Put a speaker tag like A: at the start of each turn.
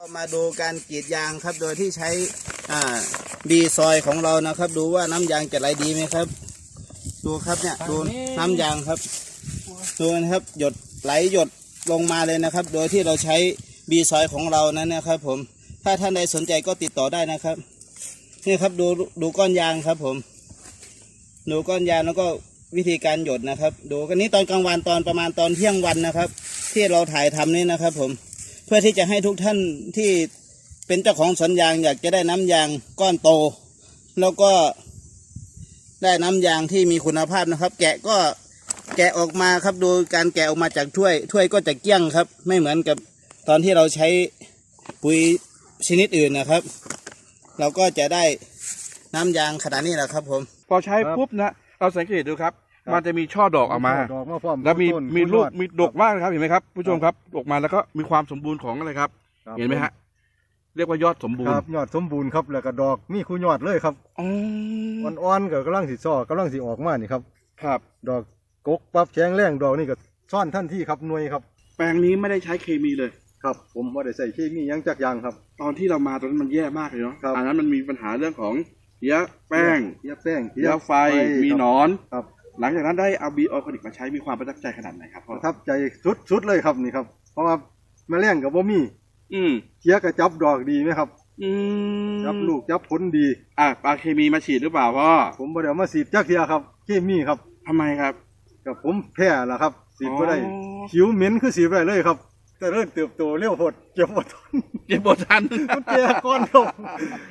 A: มาดูการกรีดยางครับโดยที่ใช้บีซอยของเรานะครับดูว่าน้ำยางจะไหลดีไหมครับดูครับเนี่ยดูน้ำยางครับดูนะครับหยดไหลหยดลงมาเลยนะครับโดยที่เราใช้บีซอยของเรานั้นนะครับผมถ้าท่านใดสนใจก็ติดต่อได้นะครับนี่ครับดูก้อนยางครับผมดูก้อนยางแล้วก็วิธีการหยดนะครับดูกันนี้ตอนกลางวันตอนประมาณตอนเที่ยงวันนะครับที่เราถ่ายทำนี่นะครับผมเพื่อที่จะให้ทุกท่านที่เป็นเจ้าของสวนยางอยากจะได้น้ำยางก้อนโตแล้วก็ได้น้ำยางที่มีคุณภาพนะครับแกะออกมาครับดูการแกะออกมาจากถ้วยก็จะเกลี้ยงครับไม่เหมือนกับตอนที่เราใช้ปุ๋ยชนิดอื่นนะครับเราก็จะได้น้ำยางขนาดนี้แหละครับผม
B: พอใช้ปุ๊บนะเราสังเกตดูครับมันจะมีช่อดอกออกมาแล้วมีลูกมีดกมากนะครับเห็นไหมครับผู้ชมครับดกมาแล้วก็มีความสมบูรณ์ของอะไรครับเห็นไหมฮะเรียกว่ายอดสมบูรณ์
C: ยอดสมบูรณ์ครับแล้วก็ดอกมีคู่ยอดเลยครับอ่อนๆก็กำลังสิซ้อกำลังสิออกมานี่ครับ
B: ครับ
C: ดอกกกปั๊บแข็งแรงดอกนี่ก็ซ่อนท่านที่ครับหน่วยครับ
B: แปลงนี้ไม่ได้ใช้เคมีเลย
C: ครับผมไม่ได้ใส่เคมียังจักอย่างครับ
B: ตอนที่เรามาตอนนั้นมันแย่มากเลยเนาะอันนั้นมันมีปัญหาเรื่องของเพี้ยแป้ง
C: เพี้
B: ยไฟมีหนอน
C: ครับ
B: หลังจากนั้นได้เอาบีออร์แกนิกมาใช้มีความประทับใจขนาดไหนครับ
C: ประทับใจสุดเลยครับนี่ครับเพราะว่าแมลงกับบ่มีเพี้ยกระจับดอกดีไหมครับจับลูกจับผลดี
B: ปลาเคมีมาฉีดหรือเปล่าพ่อ
C: ผมบ่ได้เอามาฉีดจักเทียครับเคมีครับ
B: ทำไมครับ
C: กับผมแพ้ล่ะครับฉีดบ่ได้ผิวเหม็นคือฉีดบ่ได้เลยครับแต่เริ่มเติบโตเร็วโพดเก็บบ่ทัน
B: มันแก่
C: ก้อนครับ